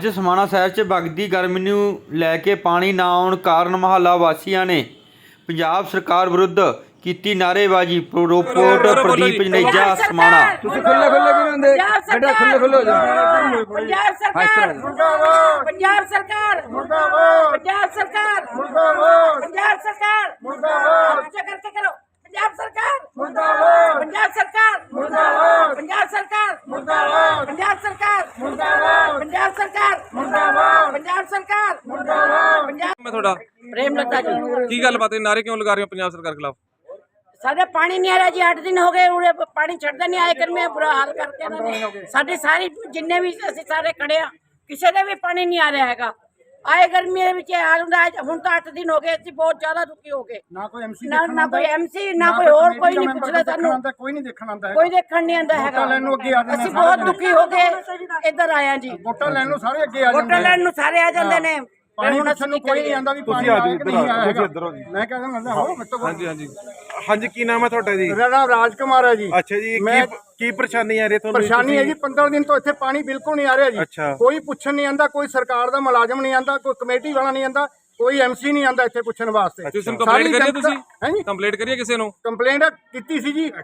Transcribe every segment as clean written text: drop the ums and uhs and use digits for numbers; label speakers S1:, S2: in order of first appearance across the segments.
S1: ਅੱਜ ਸਮਾਣਾ ਸ਼ਹਿਰ 'ਚ ਵਗਦੀ ਗਰਮੀ ਨੂੰ ਲੈ ਕੇ ਪਾਣੀ ਨਾ ਆਉਣ ਕਾਰਨ ਮੁਹੱਲਾ ਵਾਸੀਆਂ ਨੇ ਪੰਜਾਬ ਸਰਕਾਰ ਵਿਰੁੱਧ ਕੀਤੀ ਨਾਅਰੇਬਾਜ਼ੀ। ਰਿਪੋਰਟ ਪ੍ਰਦੀਪ ਜਨੇਜਾ, ਸਮਾਣਾ।
S2: ਤੁਸੀਂ ਖੁੱਲੇ ਖੁੱਲੇ ਵੀ ਹੁੰਦੇ ਬੇਟਾ, ਖੁੱਲੇ ਖੁੱਲੇ ਹੋ ਜਾਓ।
S3: ਪੰਜਾਬ ਸਰਕਾਰ ਮੁਰਦਾਬਾਦ, ਪੰਜਾਬ ਸਰਕਾਰ ਮੁਰਦਾਬਾਦ, ਪੰਜਾਬ ਸਰਕਾਰ ਮੁਰਦਾਬਾਦ, ਪੰਜਾਬ ਸਰਕਾਰ ਮੁਰਦਾਬਾਦ। ਅੱਛਾ ਕਰਕੇ ਕਰੋ। ਪੰਜਾਬ ਸਰਕਾਰ ਮੁਰਦਾਬਾਦ, ਪੰਜਾਬ ਸਰਕਾਰ ਮੁਰਦਾਬਾਦ, ਪੰਜਾਬ ਸਰਕਾਰ ਮੁਰਦਾਬਾਦ, ਪੰਜਾਬ ਸਰਕਾਰ ਮੁਰਦਾਬਾਦ, ਪੰਜਾਬ ਸਰਕਾਰ ਮੁਰਦਾਬਾਦ, ਪੰਜਾਬ ਸਰਕਾਰ ਮੁਰਦਾਬਾਦ।
S4: मैं थोड़ा
S3: प्रेम लता जी
S4: की गल बात है, नारे क्यों लगा रहे हो पंजाब सरकार खिलाफ?
S3: ਸਾਡੇ ਪਾਣੀ ਨਹੀਂ ਆ ਰਿਹਾ ਜੀ, 8 ਦਿਨ ਹੋ ਗਏ ਉਰੇ ਪਾਣੀ ਛੱਡਦਾ ਨਹੀਂ। ਆਏ ਕਰ ਮੈਂ ਬੁਰਾ ਹਾਲ ਕਰਕੇ ਇਹਨਾਂ ਨੇ ਸਾਡੇ ਸਾਰੇ ਜਿੰਨੇ ਵੀ ਅਸੀਂ ਸਾਰੇ ਖੜੇ ਆ, ਕਿਸੇ ਦੇ ਵੀ ਪਾਣੀ ਨਹੀਂ ਆ ਰਿਹਾ ਹੈਗਾ। ਆਏ ਗਰਮੀ ਦੇ ਵਿੱਚ ਹਾਲ ਹੁੰਦਾ। ਹੁਣ ਤਾਂ 8 ਦਿਨ ਹੋ ਗਏ, ਅਸੀਂ ਬਹੁਤ ਜ਼ਿਆਦਾ ਦੁਖੀ ਹੋ ਗਏ।
S2: ਨਾ ਕੋਈ ਐਮਸੀ
S3: ਨਾ ਕੋਈ ਐਮਸੀ ਨਾ ਕੋਈ ਹੋਰ ਕੋਈ ਨਹੀਂ ਪੁੱਛਦਾ ਸਾਨੂੰ,
S2: ਕੋਈ ਨਹੀਂ ਦੇਖਣ ਆਉਂਦਾ,
S3: ਕੋਈ ਦੇਖਣ ਨਹੀਂ ਆਉਂਦਾ ਹੈਗਾ।
S2: ਲੈਣ ਨੂੰ ਅੱਗੇ ਆ ਜਾਂਦੇ
S3: ਅਸੀਂ ਬਹੁਤ ਦੁਖੀ ਹੋ ਗਏ ਇੱਧਰ ਆਇਆ ਜੀ।
S2: ਵੋਟਾਂ ਲੈਣ ਨੂੰ ਸਾਰੇ ਅੱਗੇ ਆ ਜਾਂਦੇ,
S3: ਵੋਟਾਂ ਲੈਣ ਨੂੰ ਸਾਰੇ ਆ ਜਾਂਦੇ ਨੇ।
S2: ਪਾਣੀ ਪੁੱਛਣ ਨੂੰ ਕੋਈ ਨਹੀਂ ਆਉਂਦਾ ਵੀ ਪਾਣੀ ਆਇਆ ਕਿ ਨਹੀਂ ਆਇਆ ਹੈਗਾ। ਮੈਂ ਕਹਿੰਦਾ ਮਤਲਬ ਹੋ ਮੇਰੇ
S4: ਹਾਂਜੀ ਹਾਂਜੀ ਹਾਂਜੀ, ਕੀ ਨਾਮ ਹੈ ਤੁਹਾਡਾ ਜੀ?
S2: ਮੇਰਾ ਨਾਮ ਰਾਜ ਕੁਮਾਰ ਹੈ ਜੀ।
S4: ਅੱਛਾ ਜੀ,
S2: ਮੈਂ
S4: ਕੀ ਪਰੇਸ਼ਾਨੀ ਆ ਰਹੀ ਤੁਹਾਨੂੰ?
S2: ਪਰੇਸ਼ਾਨੀ ਹੈ ਜੀ, 15 ਦਿਨ ਤੋਂ ਇੱਥੇ ਪਾਣੀ ਬਿਲਕੁਲ ਨਹੀਂ ਆ ਰਿਹਾ ਜੀ।
S4: ਅੱਛਾ।
S2: ਕੋਈ ਪੁੱਛਣ ਨਹੀਂ ਆਉਂਦਾ, ਕੋਈ ਸਰਕਾਰ ਦਾ ਮੁਲਾਜ਼ਮ ਨਹੀਂ ਆਉਂਦਾ, ਕੋਈ ਕਮੇਟੀ ਵਾਲਾ ਨਹੀਂ ਆਉਂਦਾ, ਕੋਈ ਐਮਸੀ ਨਹੀਂ ਆਉਂਦਾ ਇੱਥੇ ਪੁੱਛਣ ਵਾਸਤੇ।
S4: ਤੁਸੀਂ ਕੰਪਲੇਂਟ ਕਰੀਏ? ਤੁਸੀਂ
S2: ਹੈ ਜੀ
S4: ਕੰਪਲੇਂਟ ਕਰੀਏ ਕਿਸੇ ਨੂੰ?
S2: ਕੰਪਲੇਂਟ ਕੀਤੀ ਸੀ ਜੀ,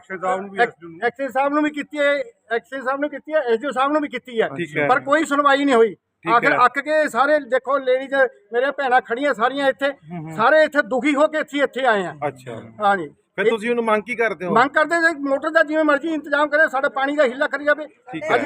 S2: ਐਕਸੇ ਸਾਹਿਬ ਨੂੰ ਵੀ ਕੀਤੀ ਹੈ, ਐਕਸੇ ਸਾਹਿਬ ਨੂੰ ਕੀਤੀ ਹੈ, ਐਸਡੀਓ ਸਾਹਿਬ ਨੂੰ ਵੀ ਕੀਤੀ ਹੈ, ਪਰ ਕੋਈ ਸੁਣਵਾਈ ਨਹੀਂ ਹੋਈ। ਆਖਿਰ ਅੱਕ ਕੇ ਸਾਰੇ ਦੇਖੋ ਲੇਡੀਜ਼ ਮੇਰੇ ਭੈਣਾਂ ਖੜੀਆਂ ਸਾਰੀਆਂ ਇੱਥੇ, ਸਾਰੇ ਇੱਥੇ ਦੁਖੀ ਹੋ ਕੇ ਇੱਥੇ ਆਏ ਆ।
S4: ਅੱਛਾ,
S2: ਹਾਂਜੀ।
S4: ਫਿਰ ਤੁਸੀਂ ਉਹਨੂੰ ਮੰਗ ਕੀ ਕਰਦੇ ਹੋ?
S2: ਮੰਗ ਕਰਦੇ ਜੇ ਮੋਟਰ ਦਾ ਜਿਵੇਂ ਮਰਜ਼ੀ ਇੰਤਜ਼ਾਮ ਕਰੇ, ਸਾਡੇ ਪਾਣੀ ਦਾ ਹਿੱਲਾ ਕਰੀ ਜਾਵੇ। ਅੱਜ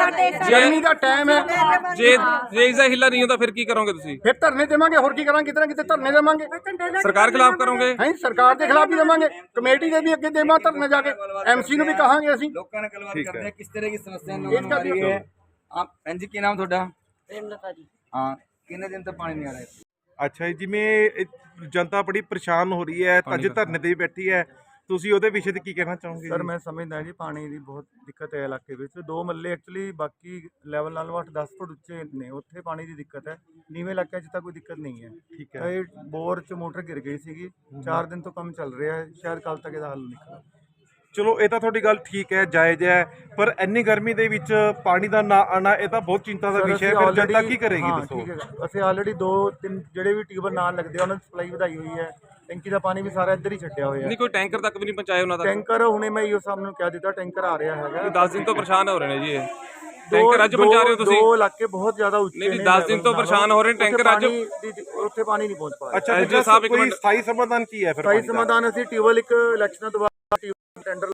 S2: ਗਰਮੀ ਦਾ ਟਾਈਮ ਹੈ,
S4: ਜੇ ਇਸ ਦਾ ਹਿੱਲਾ ਨਹੀਂ ਹੁੰਦਾ ਫਿਰ ਕੀ ਕਰੋਗੇ ਤੁਸੀਂ?
S2: ਫਿਰ ਧਰਨੇ ਦੇਵਾਂਗੇ, ਹੋਰ ਕੀ ਕਰਾਂਗੇ, ਕਿਤੇ ਨਾ ਕਿਤੇ ਧਰਨੇ ਦੇਵਾਂਗੇ।
S4: ਸਰਕਾਰ ਖਿਲਾਫ ਕਰੋਗੇ?
S2: ਹਾਂ, ਸਰਕਾਰ ਦੇ ਖਿਲਾਫ ਵੀ ਦੇਵਾਂਗੇ, ਕਮੇਟੀ ਦੇ ਵੀ ਅੱਗੇ ਦੇਵਾਂ ਧਰਨੇ ਜਾ ਕੇ, ਐਮਸੀ ਨੂੰ ਵੀ ਕਹਾਂਗੇ ਅਸੀਂ।
S5: ਲੋਕਾਂ ਨਾਲ ਗੱਲਬਾਤ ਕਰਦੇ ਆ ਕਿਸ ਤਰ੍ਹਾਂ ਦੀ ਸਮੱਸਿਆ ਨੂੰ ਆ ਰਹੀ ਹੈ। ਆਪ ਭੈਣ ਜੀ, ਕੀ ਨਾਮ ਤੁਹਾਡਾ?
S3: ਪ੍ਰੇਮ ਲਤਾ ਜੀ।
S5: ਹਾਂ, ਕਿੰਨੇ ਦਿਨ ਤੋਂ ਪਾਣੀ ਨਹੀਂ ਆ ਰਿਹਾ?
S4: ਅੱਛਾ ਜੀ, ਜਿਵੇਂ ਜਨਤਾ ਬੜੀ ਪਰੇਸ਼ਾਨ ਹੋ ਰਹੀ ਹੈ, ਅੱਜ ਧਰਨੇ ਤੇ ਵੀ ਬੈਠੀ ਹੈ, ਤੁਸੀਂ ਉਹਦੇ ਵਿਸ਼ੇ ਤੇ ਕੀ ਕਹਿਣਾ ਚਾਹੋਗੇ?
S6: ਸਰ, ਮੈਂ ਸਮਝਦਾ ਜੀ ਪਾਣੀ ਦੀ ਬਹੁਤ ਦਿੱਕਤ ਹੈ ਇਲਾਕੇ ਵਿੱਚ। 2 ਮੱਲੇ ਐਕਚੁਅਲੀ ਬਾਕੀ ਲੈਵਲ ਨਾਲੋਂ 8-10 ਫੁੱਟ ਉੱਚੇ ਨੇ, ਉੱਥੇ ਪਾਣੀ ਦੀ ਦਿੱਕਤ ਹੈ। ਨੀਵੇਂ ਇਲਾਕਿਆਂ 'ਚ ਤਾਂ ਕੋਈ ਦਿੱਕਤ ਨਹੀਂ ਹੈ।
S4: ਠੀਕ ਹੈ।
S6: ਇਹ ਬੋਰ 'ਚ ਮੋਟਰ ਗਿਰ ਗਈ ਸੀਗੀ, 4 ਦਿਨ ਤੋਂ ਕੰਮ ਚੱਲ ਰਿਹਾ ਹੈ, ਸ਼ਾਇਦ ਕੱਲ ਤੱਕ ਇਹਦਾ ਹੱਲ ਨਿਕਲੇ।
S4: ਚਲੋ, ਇਹ ਤਾਂ ਤੁਹਾਡੀ ਗੱਲ ਠੀਕ ਹੈ, ਜਾਇਜ਼ ਹੈ, ਪਰ ਇੰਨੀ ਗਰਮੀ ਦੇ ਵਿੱਚ ਪਾਣੀ ਦਾ ਨਾ ਆਣਾ ਇਹ ਤਾਂ ਬਹੁਤ ਚਿੰਤਾ ਦਾ ਵਿਸ਼ਾ ਹੈ। ਫਿਰ ਜਨਤਾ ਕੀ ਕਰੇਗੀ ਦੱਸੋ?
S6: ਠੀਕ ਹੈ, ਅਸੀਂ ਆਲਰੇਡੀ 2-3 ਜਿਹੜੇ ਵੀ ਟਿਊਬਲ ਨਾਲ ਲੱਗਦੇ ਆ ਉਹਨਾਂ ਦੀ ਸਪਲਾਈ ਵਧਾਈ ਹੋਈ ਹੈ। ਟੈਂਕੀ ਦਾ ਪਾਣੀ ਵੀ ਸਾਰਾ ਇੱਧਰ ਹੀ ਛੱਡਿਆ ਹੋਇਆ ਹੈ।
S4: ਨਹੀਂ, ਕੋਈ ਟੈਂਕਰ ਤੱਕ ਵੀ ਨਹੀਂ ਪਹੁੰਚਾਇਆ ਉਹਨਾਂ ਦਾ?
S6: ਟੈਂਕਰ ਹੁਣੇ ਮੈਂ ਇਹੋ ਸਾਹਮਣੇ ਕਹਿ ਦਿੱਤਾ, ਟੈਂਕਰ ਆ ਰਿਹਾ ਹੈਗਾ।
S4: 10 ਦਿਨ ਤੋਂ ਪਰੇਸ਼ਾਨ ਹੋ ਰਹੇ ਨੇ ਜੀ ਇਹ ਟੈਂਕਰ। ਅੱਜ ਪਹੁੰਚਾ ਰਹੇ ਹੋ ਤੁਸੀਂ?
S6: 2 ਇਲਾਕੇ ਬਹੁਤ ਜ਼ਿਆਦਾ ਉੱਚੇ ਨੇ।
S4: ਨਹੀਂ, 10 ਦਿਨ ਤੋਂ ਪਰੇਸ਼ਾਨ ਹੋ ਰਹੇ ਨੇ, ਟੈਂਕਰ ਅੱਜ
S6: ਉੱਥੇ ਪਾਣੀ ਨਹੀਂ ਪਹੁੰਚ ਪਾ ਰਿਹਾ।
S4: ਅੱਛਾ, ਐਸਡੀਓ ਸਾਹਿਬ ਇੱਕ ਮਿੰਟ, ਸਥਾਈ ਸਮਾਧਾਨ ਕੀ ਹੈ ਫਿਰ?
S6: ਸਥਾਈ ਸਮਾਧਾਨ ਅਸੀਂ ਟਿਊਬਲ ਇੱਕ ਇਲੈਕਸ਼ਨਾਂ ਤੋਂ ਬਾਅਦ ਟੈਂਡਰ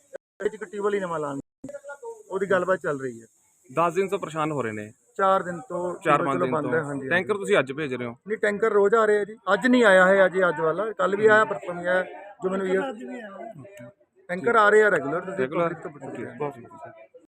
S6: ਇੱਕ ਟਿਊਬਲ ਹੀ ਨਵਾਂ ਲਾਂਗੇ, ਉਹਦੀ ਗੱਲਬਾਤ ਚੱਲ ਰਹੀ ਹੈ।
S4: 10 ਦਿਨ ਤੋਂ ਪਰੇਸ਼ਾਨ ਹੋ ਰਹੇ ਨੇ?
S6: 4 ਦਿਨ ਤੋਂ
S4: 4-5 ਦਿਨ
S6: ਬੰਦ ਹੈ।
S4: ਤੋਂ।
S6: ਹਾਂਜੀ,
S4: ਟੈਂਕਰ ਤੁਸੀਂ ਅੱਜ ਭੇਜ ਰਹੇ ਹੋ?
S6: ਨਹੀਂ, ਟੈਂਕਰ ਰੋਜ਼ ਆ ਰਿਹਾ ਜੀ। ਅੱਜ ਨਹੀਂ ਆਇਆ ਹੈ, ਅੱਜ ਵਾਲਾ ਕੱਲ ਵੀ ਆਇਆ, ਪਰਸੋਂ ਵੀ ਆਇਆ। ਜੋ ਮੈਨੂੰ ਟੈਂਕਰ ਆ ਰਹੇ ਆ ਰੈਗੂਲਰ।
S4: ਰੈਗੂਲਰ।